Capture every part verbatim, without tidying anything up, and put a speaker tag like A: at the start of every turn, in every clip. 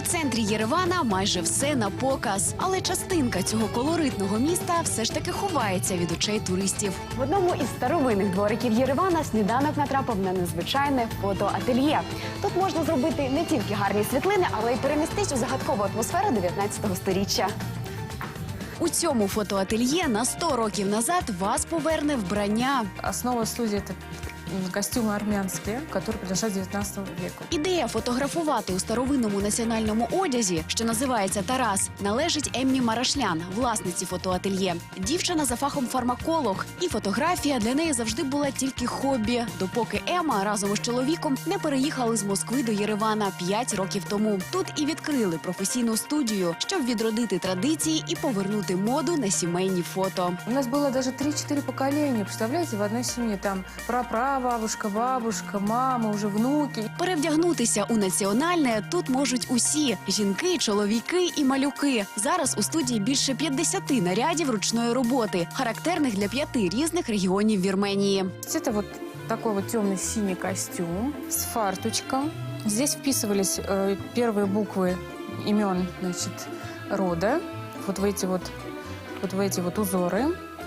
A: центрі Єревана майже все на показ. Але частинка цього колоритного міста все ж таки ховається від очей туристів. В одному із старовинних двориків Єревана сніданок натрапив на незвичайне фотоательє. Тут можна зробити не тільки гарні світлини, але й перенестись у загадкову атмосферу дев'ятнадцятого сторіччя. У цьому фотоательє на сто років назад вас поверне вбрання.
B: Основа студии – это костюмы армянские, которые принадлежат девятнадцатому веку.
A: Ідея фотографувати у старовинному національному одязі, що називається «Тарас», належить Еммі Марашлян, власниці фотоательє. Дівчина за фахом фармаколог, і фотографія для неї завжди була тільки хобі, допоки Ема разом із чоловіком не переїхали з Москви до Єревана п'ять років тому. Тут і відкрили професійну студію, щоб відродити традиції і повернути моду на сімейні фото.
B: У нас было даже три-четыре поколения, представляете, в одной семье. Там прапрабабушка, бабушка, мама, уже внуки.
A: Перевдягнутися у національне тут можуть усі – жінки, чоловіки і малюки. Зараз у студії більше п'ятдесят нарядів ручної роботи, характерних для п'яти різних регіонів Вірменії.
B: Это вот такой вот темно-синий костюм с фарточком. Здесь вписывались э, первые буквы имен, значит, рода. Вот в эти вот, вот в эти вот узоры.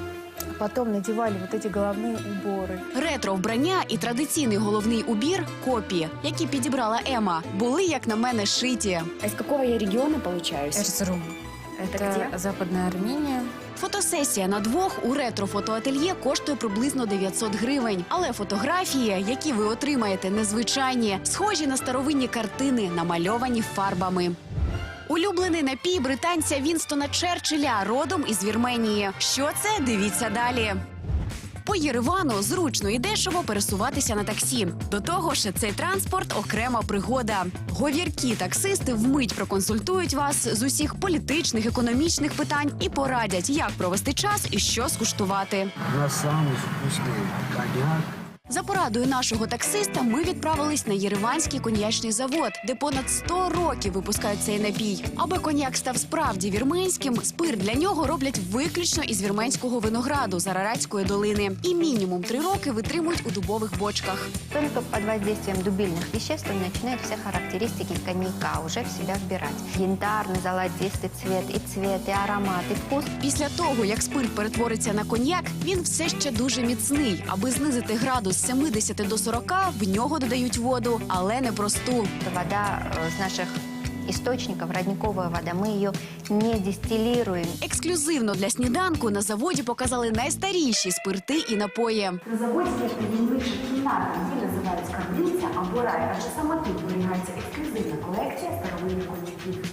B: Потом надевали вот эти головные уборы.
A: Ретро-вбрання і традиційний головний убір – копії, які підібрала Ема, були, як на мене, шиті.
C: А из какого я региона получаюсь?
B: Эрзрум.
C: Это
B: Это
C: где?
B: Западная Армения.
A: Фотосесія на двох у ретро-фотоательє коштує приблизно дев'ятсот гривень. Але фотографії, які ви отримаєте, незвичайні, схожі на старовинні картини, намальовані фарбами. Улюблений напій британця Вінстона Черчилля, родом із Вірменії. Що це? Дивіться далі. По Єревану зручно і дешево пересуватися на таксі. До того ж, цей транспорт – окрема пригода. Говіркі таксисти вмить проконсультують вас з усіх політичних, економічних питань і порадять, як провести час і що скуштувати.
D: У нас самый вкусный коньяк.
A: За порадою нашого таксиста ми відправились на Єреванський коньячний завод, де понад сто років випускають цей напій. Аби коньяк став справді вірменським, спирт для нього роблять виключно із вірменського винограду з Араратської долини. І мінімум три роки витримують у дубових бочках.
E: Только под воздействием дубильных веществ он начинает все характеристики коньяка уже в себя вбирать. Янтарный, золотистый цвет, и цвет, и аромат, и вкус.
A: Після того, як спирт перетвориться на коньяк, він все ще дуже міцний. Аби знизити градус з сімдесят до сорока, в нього додають воду, але не просту.
E: Вода э, с наших источников, родниковая вода, мы ее не дистиллируем.
A: Ексклюзивно для сніданку на заводі показали найстаріші спирти і напої.
C: На заводі є найбільша кімната, її називають скарбниця або рай, адже саме тут зберігається ексклюзивна колекція старовинних коньяків.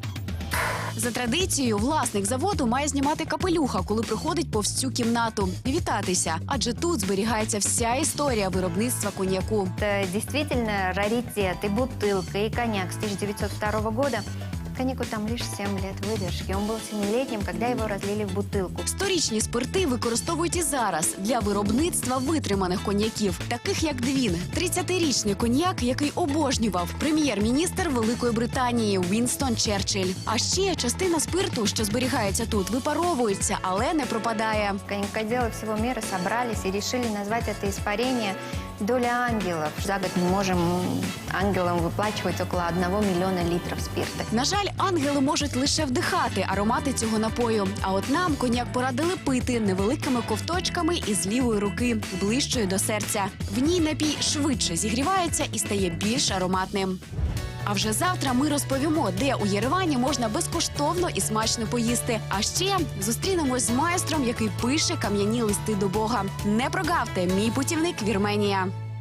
A: За традицією, власник заводу має знімати капелюха, коли приходить повз цю кімнату. Вітатися, адже тут зберігається вся історія виробництва коньяку.
E: Это действительно раритет, и бутылка, и коньяк с тысяча девятьсот второго года. Коньяку там лишь семь лет выдержки. Он был семилетним, когда его разлили в бутылку.
A: Сторічні спирти використовують і зараз для виробництва витриманих коньяків, таких як Двін – тридцятирічний коньяк, який обожнював прем'єр-міністр Великої Британії Вінстон Черчилль. А ще частина спирту, що зберігається тут, випаровується, але не пропадає.
E: Коньякоделы всего мира собрались и решили назвать это испарение «Доля ангелов». За год мы можем ангелам выплачивать около одного миллиона литров спирта.
A: На жаль, ангели можуть лише вдихати аромати цього напою. А от нам коньяк порадили пити невеликими ковточками із лівої руки, ближчою до серця. В ній напій швидше зігрівається і стає більш ароматним. А вже завтра ми розповімо, де у Єревані можна безкоштовно і смачно поїсти. А ще зустрінемось з майстром, який пише кам'яні листи до Бога. Не прогавте, мій путівник Вірменія.